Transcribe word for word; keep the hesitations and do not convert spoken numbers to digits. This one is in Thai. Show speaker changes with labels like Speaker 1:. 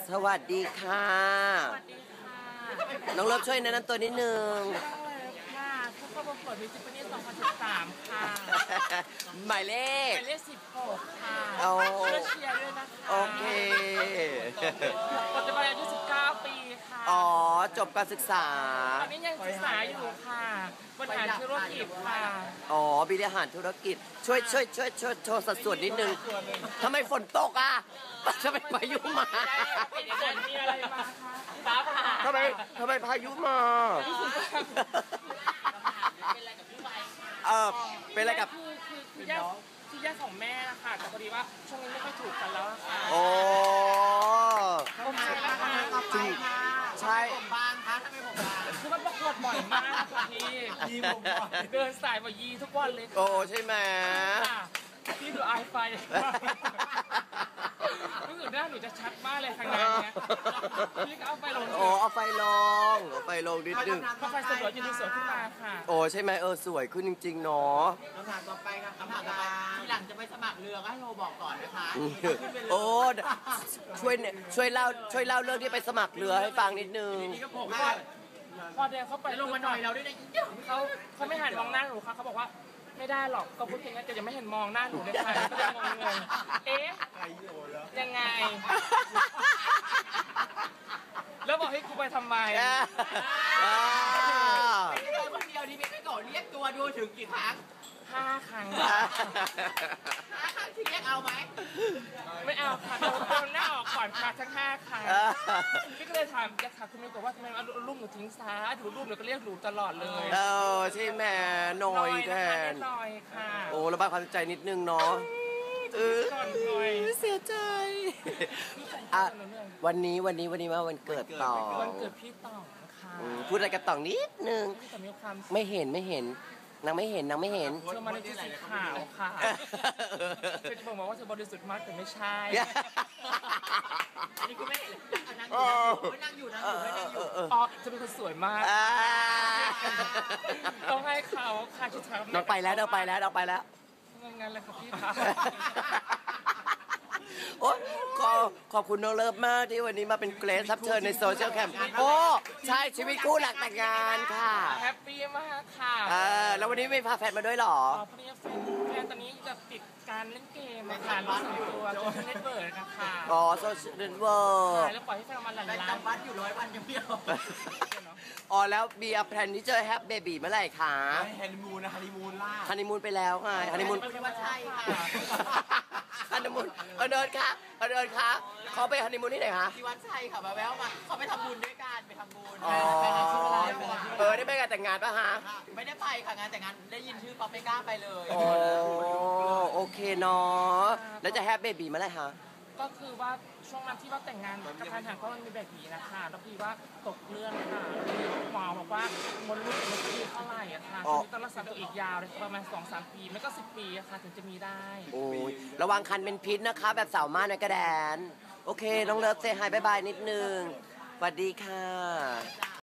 Speaker 1: สวัสดีค่ะ
Speaker 2: สวัสดีค่ะ
Speaker 1: น้องเลิฟช่วยแนะนำตัวนิดนึง
Speaker 2: ค่ะผู้เข้าประกวดมิสซิสซิปปีสองพันสิบสามค่ะ
Speaker 1: หมายเลข
Speaker 2: หมายเลขสิบหกค่ะ
Speaker 1: โอ้
Speaker 2: ช่วยเชียร์ด้วยนะคะ
Speaker 1: โอเค
Speaker 2: ปัจจุบันอายุสิบเก้าปีค่ะ
Speaker 1: อ๋อจบการศึกษา
Speaker 2: ตอนนี้ยังศึกษาอยู่ค่ะบริหารธุรกิจค่ะ
Speaker 1: อ๋อบริหารธุรกิจช่วยช่วยช่วยช่วยโชว์สัดส่วนนิดนึงทำไมฝนตกอ่ะทำไมพายุมา
Speaker 2: มีอะไรมาคะฟ้าผ่า
Speaker 1: ทำไมทำไมพายุมาเออเป็นอะไรกับ
Speaker 2: คือคือคือย่าคือญาติของแม่นะคะแต่พอดีว่าช่วงนี้ไม่ค่อยถูกกันแล้วค่ะ
Speaker 1: โอ้
Speaker 2: ผมใช่นะคะ
Speaker 1: จริงใช่
Speaker 2: ผมบางคะทำไมผมบางคือมันประกวดบ่อยมากค่ะพี่ยีผมเดินสายบ่อยยีทุกวันเลย
Speaker 1: โอ้ใช่ไหม
Speaker 2: พี่ดูไอไฟรู้สึกหน้าหนูจะชัดมากเลยทางนั้นเนี่ยพี่ก็เอาไฟลง
Speaker 1: โอ้เอาไฟลงเอาไฟลงนิดนึง
Speaker 2: พอไฟสวยจะดูสวยขึ้นมาค่ะ
Speaker 1: โอ้ใช่ไหมเออสวยขึ้นจริงๆเนาะ
Speaker 3: คำถามต่อไปครับคำถามต่อไปทีหลังจะไปสมัครเรือก็ให้โทรบอกก่อนนะคะ
Speaker 1: โอ้ช่วยช่วยเล่าช่วยเล่าเรื่องที่ไปสมัครเรือให้ฟังนิดนึง
Speaker 2: นี่ก็ผมพอเดินเข้าไป
Speaker 3: ลงมาหน่อยเราด้วยนะ
Speaker 2: เขาเขาไม่หันมองหน้าหนูค่ะเขาบอกว่าไม่ได้หรอกก็พูดอย่างนั้นแต่ยังไม่เห็นมองหน้าหนูเลยค่ะก็ยังงงเลยเอ๊ะยังไงแล้วบอกให้กูไปทำไม
Speaker 3: ตัวคนเดียวที่ไม่ได้ก่อเรียกตัวดูถึงกี่ครั้ง
Speaker 2: ห้าครั้ง
Speaker 3: ห้าครั้งที่เรียกเอาไหม
Speaker 2: ไม่เอาค่ะโดนหน้าออกก่อนค่ะทั้งห้าครั้งพี่ก็เลยถามจะถามคุณแม่ก่อนว่าทำไมเอารูปหนูทิ้งซ้ายดูรูปหนูก็เรียกหนูตลอดเลย
Speaker 1: เออใช่ไหมหน่อยแทน
Speaker 2: หน่อยค่ะ
Speaker 1: โอ้ระบายความใจนิดนึงเนาะเออเสียใจอ่ะวันนี้วันนี้วันนี้มาวันเกิดต่อ
Speaker 2: วันเกิดพี่ต่องค่ะ
Speaker 1: พูดอะไรกับต่องนิดนึงไม่เห็นไม่เห็นนางไม่เห็นนางไม่เห็น
Speaker 2: เธอมาในชุดสีขาวค่ะเธอจะบอกว่าเธอบริสุทธิ์มากแต่ไม่ใช่
Speaker 3: นี่คุณไม่เห็นนั่งอยู่นั่งอยู่นั่งอยู่นั่งอยู่
Speaker 2: อ๋อจะเป็นคนสวยมากต้องให้เขาค่ะชุดขาว
Speaker 1: น้องไปแล้วน้องไปแล้วน้องไปแล้ว
Speaker 2: งั้นเลยค่ะพี่ค่ะ
Speaker 1: โอ้ขอขอบคุณน้องเลิฟมากที่วันนี้มาเป็นเกรซรับเชิญในโซเชียลแคมป์โอ้ใช่ชีวิตคู่หลักแต่งงานค่ะ
Speaker 2: แฮปปี้มากค่ะ
Speaker 1: เออแล้ววันนี้ไม่พาแฟนมาด้วยหรอ
Speaker 2: อ๋อพอดีแฟนตอนนี้แบบติดการเล่นเกมค่ะรู้สึกตัวจนเน็ตเวิร์กนะคะ
Speaker 1: อ๋อโซเชียลเน็ตเวิร์ก
Speaker 2: แล้วปล่อยให้แฟนมาหลั่นล้า
Speaker 3: นวัดอยู่ร้อยวันยังเดียว
Speaker 1: อ๋อแล้วมีแพลนที่จะแฮปเบบีเมื่อไหร่คะ
Speaker 3: ฮันนีมูนนะฮันนีมูนล่า
Speaker 1: ฮันนีมูนไปแล้วไงฮันนีมูน
Speaker 3: ว่าใช่ค่ะ
Speaker 1: ฮันนีมูนเออเดินค่ะเออเดินค่ะเขาไปฮันนีมูนที่ไหนคะ
Speaker 3: ที่วัดชัยค่ะมาแววมาเขาไปทำบุญด้วยกันไปทำบุญ
Speaker 1: อ๋อเออได้ไปงานแต่งงานป่ะฮะ
Speaker 3: ไม่ได้ไปค่ะงานแต่งงานได้ยินชื่อป๊อปไม่กล้าไปเลย
Speaker 1: โอ้โอเคเนาะแล้วจะแฮปเบบีเมื่อไหร่คะ
Speaker 2: ก็คือว่าช่วงนั้นที่ว่าแต่งงานกับแฟนทางก็มันมีแบบนี้นะคะแล้วพี่ว่าตกเรื่องค่ะหมอบอกว่ามดลูกมันคือเท่าไหร่อะค่ะต้องรักษาตัวอีกยาวเลยประมาณสองสามปีไม่ก็สิบปีอะค่ะถึงจะมีได้
Speaker 1: โอ้ยระวังคันเป็นพิษนะคะแบบสาวม่านในกระแดนโอเคน้องเลิฟเซฮายบายบายนิดนึงสวัสดีค่ะ